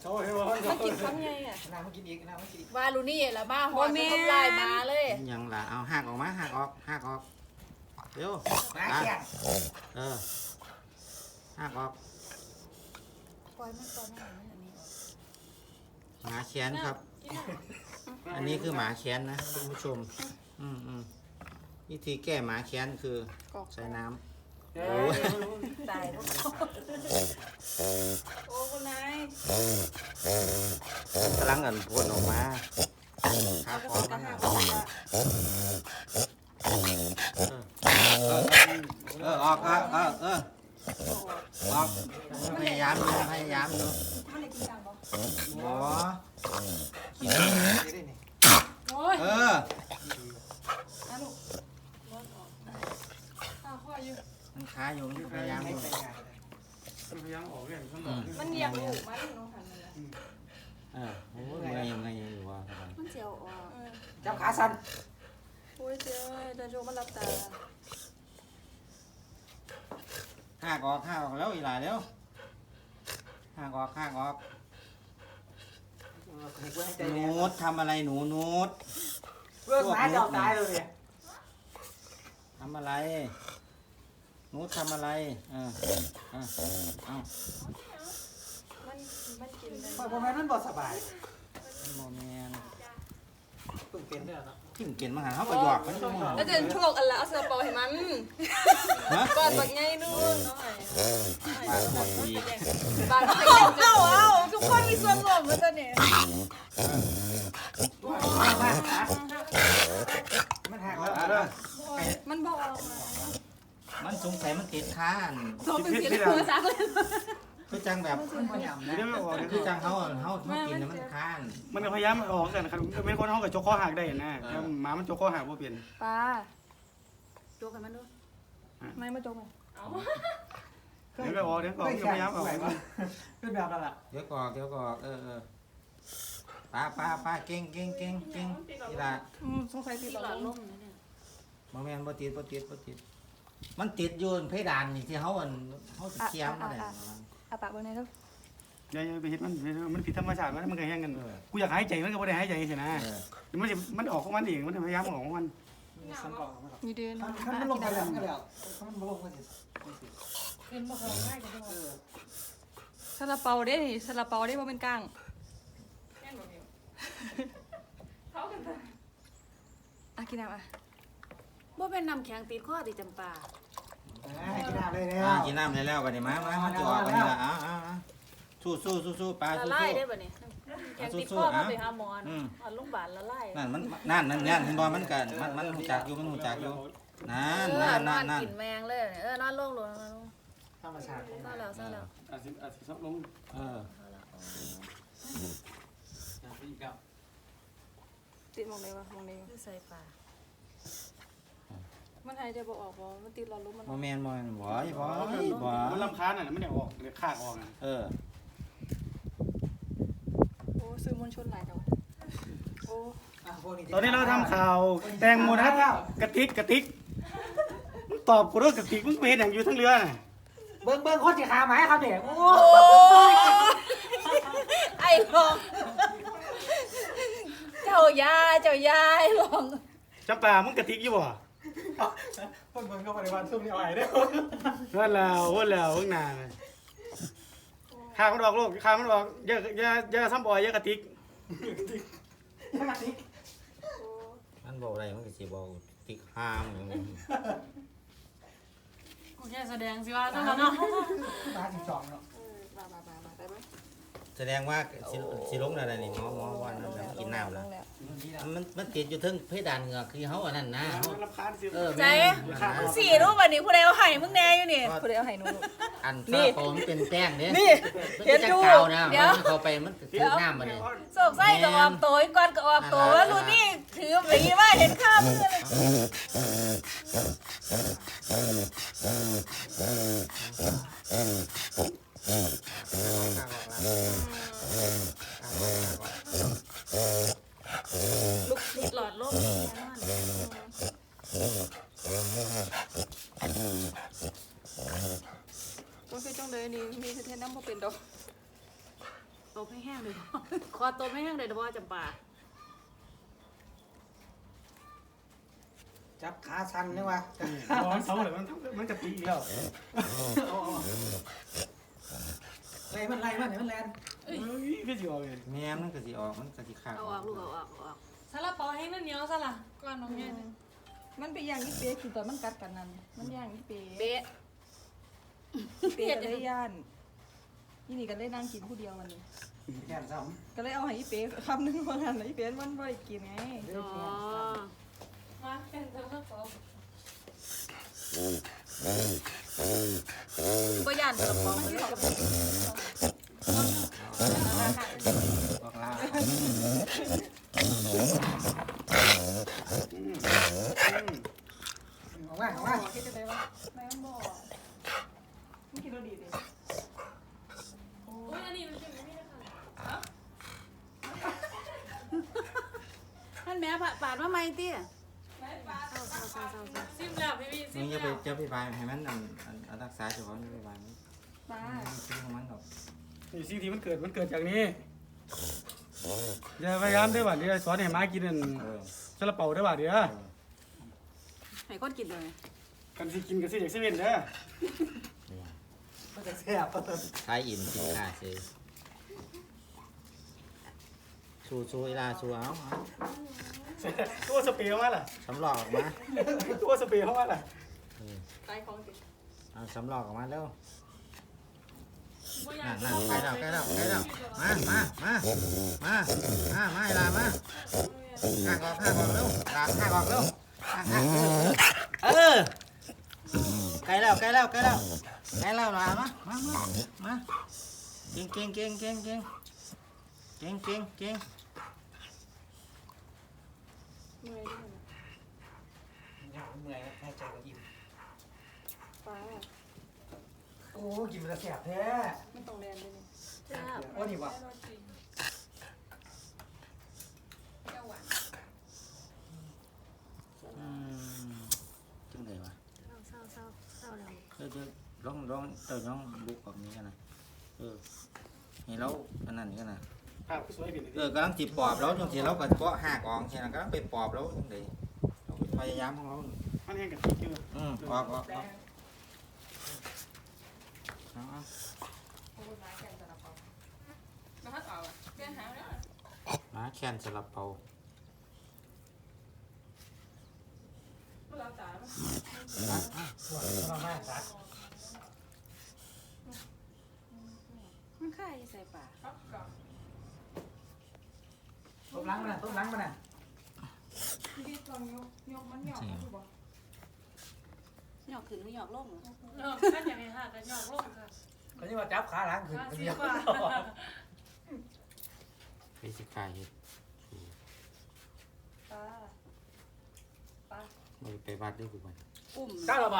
โอ้ยว่ามันกินคำไงอ่ะน้ำมากินอีกน้ำมากินอีกวาลูนี่ละบ้าหอยมันทำลายมาเลยยังล่ะเอาหักออกมาหักออกเร็วมาแข่งหักออกปล่อยมันก่อนนะอันนี้หมาแขนครับ อันนี้คือหมาแขนนะคุณผู้ชมวิธีแก้หมาแขนคือใส่น้ำตายแล้วโอ้คุณนายกำลังอันพ่นออกมาครับออกมาออกพยายามดูหมอกินโอ้ยมันค้าอยู่มันพยายามอยู่พยายามออกเลยมันอยากลูกมันน้องทันเลยโอ้ยไงอยู่วะมันเจียวอ่ะจับขาสั่นโอ้ยเจ้าจะโจมันรับตาหักออกแล้วอีหลายแล้วหักออกนูดทำอะไรหนูนูดเรื่องหมาจะตายเลยทำอะไรนูดทำอะไรมันกินได้พอแม่นั่นบ่สบายโมเมนตึงเป็นเนี่ยเนาะจิ้มเก่นมาหาเขาประหยอกมันจังหวะแล้วจะโชคอะไรเอาเสื้อเปาให้มันก่อนแบบไงนู่นน้อยปากหมดดีบางทีเอาทุกคนมีส่วนร่วมมาตัวนี้มันหักแล้วมันบอกมันสงสัยมันติดค้านโซเป็นสีเหลืองซักเลยคือจังแบบเดี๋ยวไม่ออกคือจังเขากินแล้วมันค้านมันพยายามออกกันครับไม่คนห้องกับโจกข้อหักได้นะหมามันโจกข้อหักบ่เปลี่ยนป้าโจกันมันด้วยไม่มาโจกันเดี๋ยวออกพยายามออกขึ้นแบบนั้นแหละเดี๋ยวกอกป้าเก่งนี่ล่ะสงสัยติดหลอดลมนะเนี่ยโมเมนบ่ติดมันติดอยู่เพดานนี่ที่เขาเคียมมาได้อาปากบนไหนลูกอย่าไปเห็นมันผิดธรรมชาติมันก็แห้งกันกูอยากหายใจมันก็ไม่ได้หายใจใช่ไหมมันออกของมันเองมันพยายามออกของมันมีเดือนมันลงไปแล้วก็แล้วมันลงไปสิเป็นมาของง่ายกันด้วยซาลาเปาได้ซาลาเปาได้เพราะเป็นก้างกินน้ำว่าเป็นน้ำแข็งตีข้อตีจำปากินน้ำเลยเนี่ยกินน้ำเลยแล้วบัดนี้มาจะออกบัดนี้ละสู้ปลาละสู้ลายได้ป่ะเนี่ยแข็งตีข้อมาไปหาหมอโรงพยาบาลละลายนั่นเห็นบ่มันหูจักอยู่นั่นกินแมงเลยนอนลงธรรมชาติเศร้าแล้วอาจจะซับลงติดมองไหนวะมองไหนใส่ปลามันหายใจบ่ออกบ่มันติดหลอดลมมันบ่แม่นบ่มันลำคาญน่ะมันอยากออกเลยขาดออกอ่ะโอ้ซื้อมวลชนหลายจังโอ้ตอนนี้เราทำข่าวแตงโมทัศกระติกตอบกูด้วยกระติกมึงเป็นอย่างอยู่ทั้งเรือน่ะเบิ้งคนจะขาหมายครับเนี่ยโอ้ไอ้ลองเจ้ายายลองจำปามึงกระติกอยู่บ่คนเบิ้งเข้ามาในวันซุ่มนี่เอาไอ้เด้อว่าแล้วเพิ่งนานข้ามันบอกโลกข้ามันบอกอย่าซ้ำบ่อยอย่ากระติกมันบอกอะไรมันก็สิบอกติ๊กห้ามอย่างนี้กูแค่แสดงสิว่าซะแล้วเนาะมา12เนาะมาได้ไหมแสดงว่าสิลงอะไรนี่หมอวันนั้นกินน้ำแล้วมันติดอยู่ทึ่งเพดานเหงือกคือเขาอันนั้นนะมันรำคาญสิใจมึงสี่รูปแบบนี้ผู้ใดเอาไห้มึงแน่อยู่นี่ผู้ใดเอาไห้หนูอันซาโปมันเป็นแป้งเนี่ยนี่เห็นดูเดี๋ยวเขาไปมันถือน้ำมาเลยโศกไส้กับออมโตยก่อนกับออมโตว่ารุ่นนี้ถือแบบนี้ว่าเห็นข้าวมือลูกติดหลอดลมก็คือจังเลยนี่มีเทนน้ำพอเป็นดอกตบให้แห้งเลย คอตบให้แห้งเลยเฉพาะจำปาจับขาชันนี่วะร้อนเสาเลยมันกะทิอีกแล้วไล่มันเห็นมันแลนเฮ้ยพี่จิ๋วเลยแม่มันก็สิออกมันก็สิขาดเอาออกลูกเอาออกเอาออกซาลาเปาแห้งนั่นเหนียวซะล่ะก่อนน้องแม่เนี่ยมันไปย่างอีเป๊กินตอนมันกัดกันนั่นมันย่างอีเป๊เป๊ะอีเป๊ก็เลยย่านนี่ก็เลยนั่งกินผู้เดียววันนี้แค่ซ้ก็เลยเอาให้อีเป๊คำนึงว่างั้นอีเป๊มันบ่ได้กินไงอ๋อมาเป็นซาลาเปาบ่ย่านกระป๋องมันที่เขาำบอกลา ออกมาคิดจะได้ว่าไม่มันบ่มันกินรสดีดิโอ้ยอันนี้มันเป็นไม่ได้ค่ะท่านแม่ปาดมาไหมเตี้ยไม่ปลาเศร้าซิมแล้วพี่ซิมึมงแล้วจะไปบายให้มันรักษาเฉพาะนี่ไปบายมันปลาซื้อของมันหรอกนี่สิ่งที่มันเกิดจากนี้อย่าพยายามได้บ่เดี๋ยวสอนให้หมากินนั่น ซาลาเปาได้บ่เดี๋ยวให้คนกินเลยกันสิกินกันสิเด็กสิเว่นเด้อมันจะแซ่บทายอิ่มกินขาดสิสู้เวลาสู้เอาตัวสเปรย์เข้ามาล่ะสำรอกออกมาตัวสเปรย์เข้ามาล่ะตายของกินเอาสำรอกออกมาเร็วบ่อยานั่กนใกล้แล้วมาเวลามาข้างออกเร็วข้างออกเร็วใกล้แล้วหลานมาเก่งเมื่อยด้วยนะเมื่อยแค่ใจก็อิ่มปลาโอ้กินมันจะแสบแท้มันต้องแรงด้วยนี่จ้าว่านี่วะ จังเลยวะเศร้าแล้วจะร้องบุกแบบนี้กันนะเห็นแล้วอันนั้นนี่กันนะภาพสวยผิดกำลังจีบปอบแล้วจังทีเราก็เกาะหักออกใช่ไหมกำลังไปปอบแล้วจังเลยเราพยายามของเรามันแห้งกะทิอยู่ออกโอ้ยมาแข่งแต่ละปอมาฮัดเอาเปลี่ยนหางแล้วมาแคนสลับเปาเราจ๋ามันค่ายใส่ปากครับก่อนต้มล้างมันน่ะพี่ลองยกมันหยอกดูบ่หยอกขึ้นหรือหยอกลงเนาะท่านอยากให้หากันหยอกลงค่ะก็ยังมาจับขาล้างขึ้นสีฟ้าไปสิกายเห็ดปลาปลาไปวัดด้วยกูไปอุ้มกล้าหรอเปล่า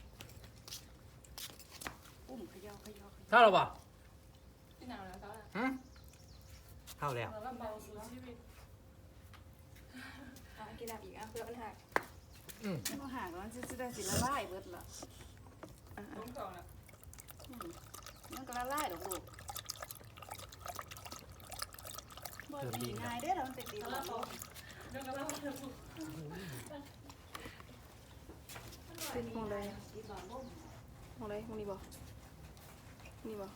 อุ้มขย่อกล้าหรอเปล่าที่หนาวแล้วเขาล่ะเข้าแล้วเราเบาสู่ชีวิตกินน้ำอีกเพื่อมันหักไม่ต้องหาแล้วจะได้สิละลายเบิดละล้มก่อนอ่ะมันก็ละลายดอกลูกบ่ดีง่ายเด้อเรามันเป็นดีซาแล้ลาว เปาเดี๋ยวก็เล่าเรื่องเป็นมองเลยดีตอนบ่มมองเลยมองนี่บ่นี่บ่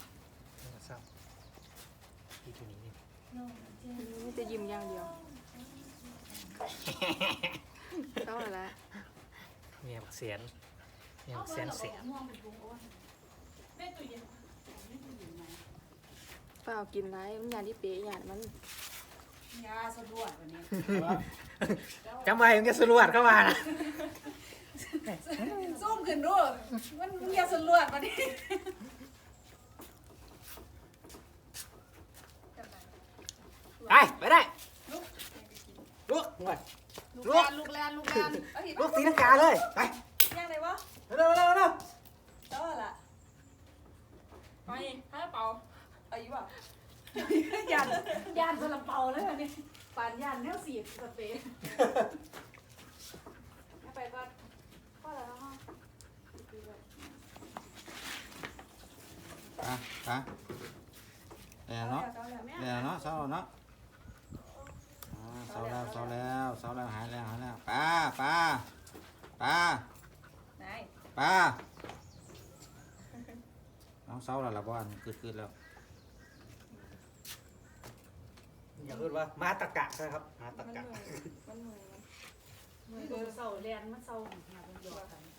นี่จะยิ้มอย่างเดียวเข้าแล้วเมียบักเสียนเมียบักเสียนเสียนแม่ตู้เย็นเปล่ากินไรมันยานที่เป๊ะยานมันยาสะดวกวันนี้จำไว้มึงจะสรวดเข้ามานะซูมขึ้นดูมันยาสะดวกวันนี้ไปได้ลุกหน่อยลูกแลนลุกตีลังกาเลยไปย่างไหนวะเร็วแล้วล่ะไปซาลาเปาอายุอ่ะยานสลับเปาเลยวันนี้ปานยานแนวสีสเปรย์ไปก่อนพ่อแล้วฮะอ่ะแล้วเนาะแล้วเนาะเศร้าแล้วเนาะเศร้าแล้วเศร้าแล้วเศร้าแล้วหายแล้วหายแล้วปลาปลาปลาไหนปลาน้องเศร้าแล้วล่ะบ้านคืดแล้วอย่าพูดว่ามาตะกะนะครับมาตะมันกะเหนื่อยมันเหนื่อยมือเศร้าเรียนมันเศร้าหาคนเดียวกัน